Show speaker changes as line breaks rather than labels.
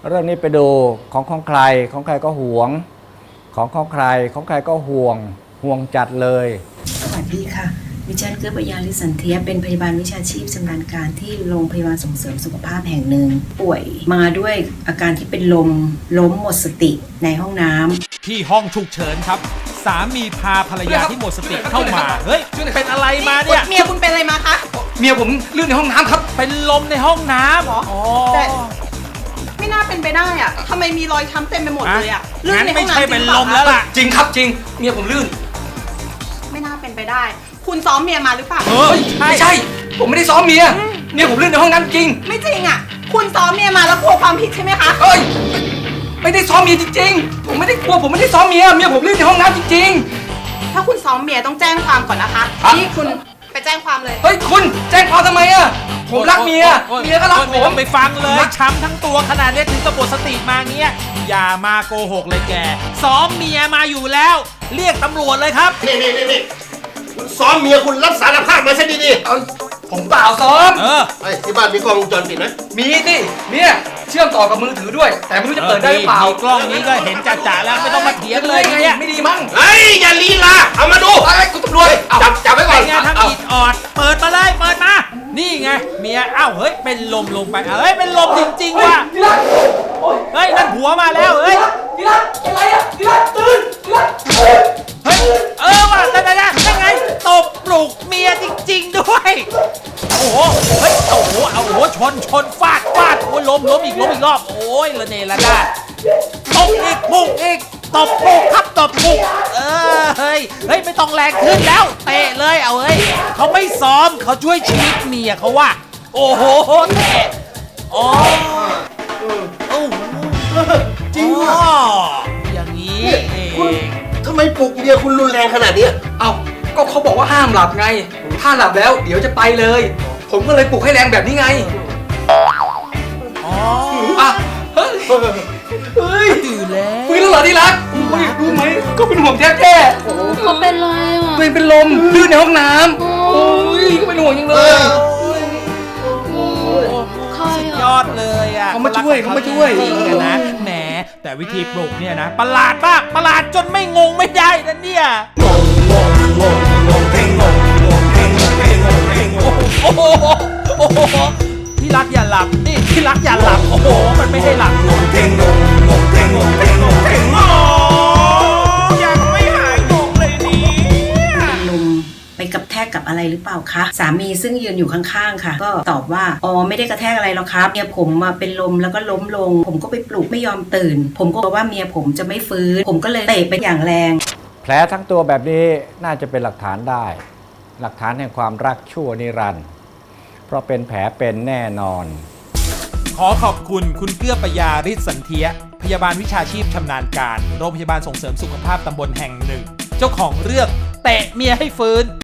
เรื่องนี้ไปดูของใครก็หวงของใครก็ห่วงจัดเลย
สวัสดีค่ะดิฉันเกื้อปยาลิสันเทียเป็นพยาบาลวิชาชีพชำนาญการที่โรงพยาบาลส่งเสริมสุขภาพแห่งหนึ่งป่วยมาด้วยอาการที่เป็นล้มหมดสติในห้องน้ำ
ที่ห้องฉุกเฉินครับสามีพาภรรยาที่หมดสติเข้ามาเฮ้ยเป็นอะไรมาเนี่ย
เมียคุณเป็นอะไรมาคะ
เมียผมลื่นในห้องน้ำครับเป็นลมในห้องน้ำ
เหรอแต่ไม่น่าเป็นไปได้อะทำไมมีรอยช้ำเต็มไปหมดเลยอะ
ลื่นในห้องน้ำไม่ใช่เป็นลมแล้วล่ะจริงครับจริงเมียผมลื่น
ไม่น่าเป็นไปได้คุณซ้อมเมียมาหรือเปล่า
ไม่ใช่ผมไม่ได้ซ้อมเมียผมลื่นในห้องน้ำจริง
ไม่จริงอ่ะคุณซ้อมเมียมาแล้วกลัวความผิดใช่ไหมคะ
ไม่ได้ซ้อมเมียจริงๆผมไม่ได้กลัวผมไม่ได้ซ้อมเมียผมลื่นในห้องน้ำจริง
ๆถ้าคุณซ้อมเมียต้องแจ้งความก่อนนะคะนี่คุณไปแจ้งความเลย
คุณแจ้งความทำไมอะผมรักเมียก็รักผมไปฟังเลยช้ำทั้งตัวขนาดนี้ถึงกับหมดสติมาเงี้ยอย่ามาโกหกเลยแกซ้อมเมียมาอยู่แล้วเรียกตำรวจเลยครับ
นี่คุณซ้อมเมียคุณรับสารภาพมาซะดี
ๆผมเปล่าซ้อม
ที่บ้านมีกล้องวงจรปิดไหม
มีสิเนี่ยเชื่อมต่อกับมือถือด้วยแต่ไม่รู้จะเปิดได้หรือเปล่ากล้องนี้ก็เห็นจ่าๆแล้วไม่ต้องมาเถียงเลยเนี่ยไม่ดีมั้ง
อย่าลีลาเอามาดู
คุณตำรวจ
จับไว้ก่อน
ไงทำอิดออดเปิดมาเลยเปิดมานี่ไงเมียเฮ้ยเป็นลมลงไปเป็นลมจริงๆว่ะเฮ้ยนั่นหัวมาแล้วเฮ้ย
อะไรอะตื่น
เฮ้ยว่ะนั่นไงตบปลุกเมียจริงๆด้วยโอ้โหเฮ้ยโอ้โหชนฟาดโอ้ยล้มอีกรอบโอ้ยละเนระนาดตบอีกปุกอีกตบปุกครับตบปุกเฮ้ยไม่ต้องแรงขึ้นแล้วเตะเลยเฮ้ยเขาไม่ซ้อมเขาช่วยชีวิตเมียเขาว่าโอ้โหเตะ
จริงว่ะ
อย่างนี้เอง
ทำไมปลุกเมียคุณรุนแรงขนาดนี้
ก็เขาบอกว่าห้ามหลับไงถ้าหลับแล้วเดี๋ยวจะไปเลยผมก็เลยปลุกให้แรงแบบนี้ไงเฮ้ยตื่นแล้วฟื้นแล้วเหรอที่รักรู้ไหมก็เป็นห่วงแท้
เขาเป็นไรอ่ะ
ตัวเองเป็นลมลื่นในห้องน้ำโอ้ยก็เป็นห่วงยังเลยยอดเลยอ่ะเขามาช่วยจริงนะแหมแต่วิธีปลุกเนี่ยนะประหลาดมากประหลาดจนไม่งงไม่ได้นะเนี่ยโอ้โหที่รักอย่าหลับนี่ที่รักอย่าหลับโอ้โหมันไม่ให้หลับยังไม่หายงงเลยเนี่ย
ลมไปกระแทกกับอะไรหรือเปล่าคะสามีซึ่งยืนอยู่ข้างๆค่ะก็ตอบว่าไม่ได้กระแทกอะไรหรอกครับเมียผมมาเป็นลมแล้วก็ล้มลงผมก็ไปปลุกไม่ยอมตื่นผมก็บอกว่าเมียผมจะไม่ฟื้นผมก็เลยเตะไปอย่างแรง
แผลทั้งตัวแบบนี้น่าจะเป็นหลักฐานได้หลักฐานแห่งความรักชั่วนิรันดร์เพราะเป็นแผลเป็นแน่นอน
ขอขอบคุณคุณเกื้อปยาฤทธิ์สันเทียพยาบาลวิชาชีพชำนาญการโรงพยาบาลส่งเสริมสุขภาพตำบลแห่งหนึ่งเจ้าของเรื่องเตะเมียให้ฟื้น